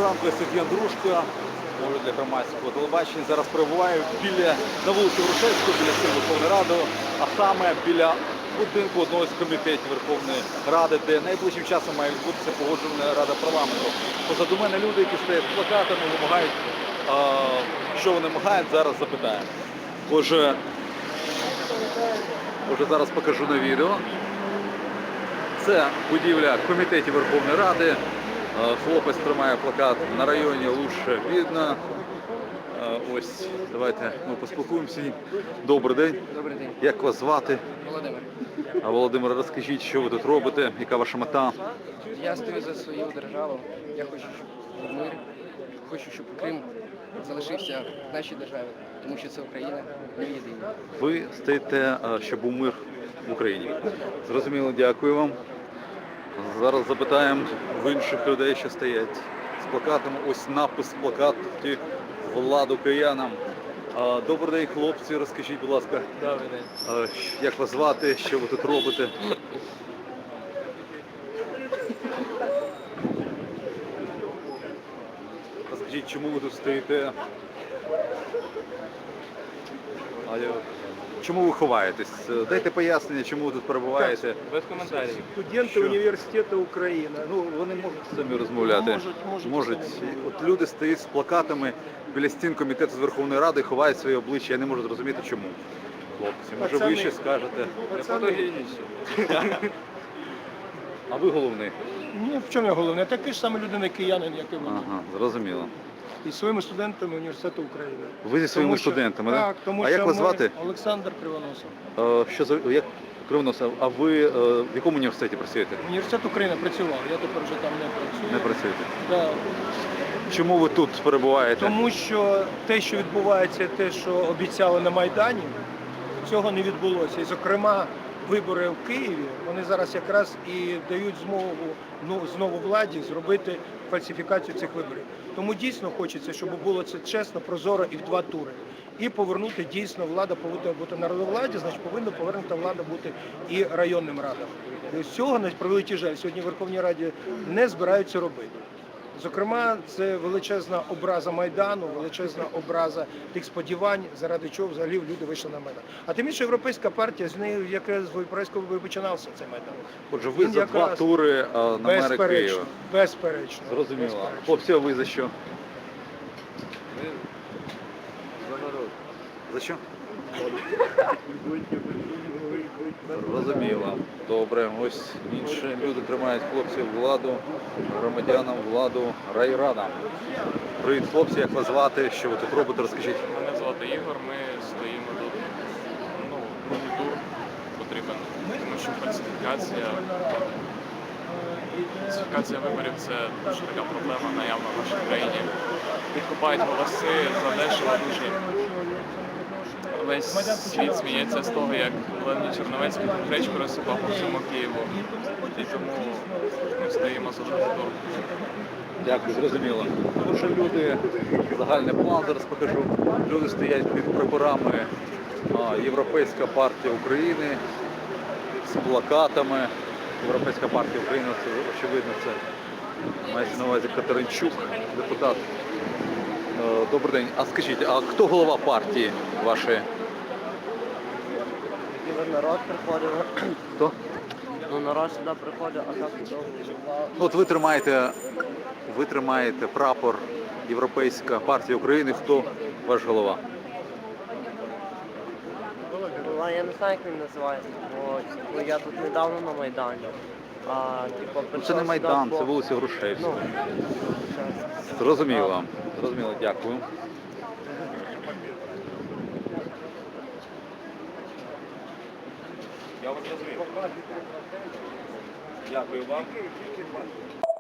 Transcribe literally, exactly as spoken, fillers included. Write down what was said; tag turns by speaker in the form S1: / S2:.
S1: Доброго ранку, я Сергій Андрушко, можу для громадського телебачення. Зараз перебуваю біля, на вулиці Грушевського, біля стіни Верховної Ради, а саме біля будинку одного з комітетів Верховної Ради, де найближчим часом має відбутися погоджувальна рада парламенту. Позаду мене люди, які стоять з плакатами, вимагають, а, що вони вимагають, зараз запитаємо. Отже, отже, зараз покажу на відео. Це будівля комітетів Верховної Ради. Хлопець тримає плакат «На районі лучше видно». Ось, давайте ми поспілкуємося. Добрий день.
S2: Добрий день.
S1: Як вас звати?
S2: Володимир.
S1: А Володимир, розкажіть, що ви тут робите, яка ваша мета?
S2: Я стою за свою державу. Я хочу, щоб був мир. Хочу, щоб Крим залишився в нашій державі, тому що це Україна, ми єдині.
S1: Ви стоїте, щоб був мир в Україні. Зрозуміло, дякую вам. Зараз запитаємо в інших людей, що стоять з плакатами. Ось напис в плакаті «Владу киянам». Добрий день, хлопці, розкажіть, будь ласка.
S2: Добрий день.
S1: Як вас звати, що ви тут робите? Розкажіть, чому ви тут стоїте? Чому ви ховаєтесь? Дайте пояснення, чому ви тут перебуваєте.
S2: Без коментарів.
S3: Студенти
S1: Що?
S3: університету Україна.
S1: Ну, вони можуть самі розмовляти.
S3: Можуть, можуть.
S1: Можуть. От люди стоять з плакатами біля стін комітету з Верховної Ради і ховають своє обличчя. Я не можу зрозуміти, чому. Хлопці, може ви
S3: Пацани.
S1: ще скажете.
S3: Пацани.
S1: А ви головний?
S3: Ні, в чому я головне? Такий ж саме людина киянин, як і ви.
S1: Ага, зрозуміло.
S3: І своїми студентами університету України.
S1: Ви зі своїми
S3: Тому що-
S1: студентами, так?
S3: Так, тому
S1: А
S3: що
S1: як вас
S3: ми-
S1: звати?
S3: Олександр Кривоносов.
S1: Е, Що за як Кривоносов? А ви е, в якому університеті працюєте?
S3: Університет України працював, я тепер вже там не працюю.
S1: Не працюєте.
S3: Да.
S1: Чому ви тут перебуваєте?
S3: Тому що те, що відбувається, те, що обіцяли на Майдані, цього не відбулося. І, зокрема, вибори в Києві, вони зараз якраз і дають змогу ну, знову владі зробити фальсифікацію цих виборів. Тому дійсно хочеться, щоб було це чесно, прозоро і в два тури. І повернути дійсно влада повинна бути народовладі, значить повинна повернута влада бути і районним радам. І з цього, на превеликий жаль, сьогодні в Верховній Раді не збираються робити. Зокрема, це величезна образа Майдану, величезна образа тих сподівань, заради чого взагалі люди вийшли на Майдан. А тим більше Європейська партія, з нею якраз в Європейському виборі починався цей Майдан.
S1: Отже, ви
S3: Він
S1: за два
S3: якраз-
S1: тури а, на мера
S3: Безперечно,
S1: Києва.
S3: безперечно.
S1: Зрозуміло.
S3: безперечно.
S1: Хлопці, а ви за що?
S2: За народ.
S1: За що? Зрозуміло. Добре. Ось інші люди тримають хлопців владу, громадянам владу райрадам. Привіт, хлопці, як вас звати? Що ви тут робите? Розкажіть.
S4: Мене звати Ігор, ми стоїмо тут. Ну, другий тур потрібен, тому що фальсифікація. Фальсифікація виборів це дуже така проблема наявна в нашій країні. Відкупають голоси задешево дуже. Весь світ сміється з того, як Леонід Черновецький гречку розсипав по всьому Києву. І тому ми стоїмо за другий тур.
S1: Дякую, зрозуміло. Отже, люди, загальний план зараз покажу. Люди стоять під прапорами а, Європейська партія України з плакатами. Європейська партія України, це очевидно, це мається на увазі Катеринчук, депутат. Е, Добрий день. А скажіть, а хто голова партії вашої?
S5: Народ приходив,
S1: Хто?
S5: ну народ сюди приходив, а так довго.
S1: Ну, от ви тримаєте, ви тримаєте прапор Європейська партія України. Хто ваш голова?
S5: Ну, а я не знаю, як він називається, бо ну, я тут недавно на Майдані. А, типу,
S1: Ну,
S5: прийшов
S1: це не
S5: сюди,
S1: Майдан,
S5: бо-
S1: це вулиця Грушевська.
S5: Ну, щас.
S1: Зрозуміло. Зрозуміло, дякую. Я вас зрозумів. Дякую вам.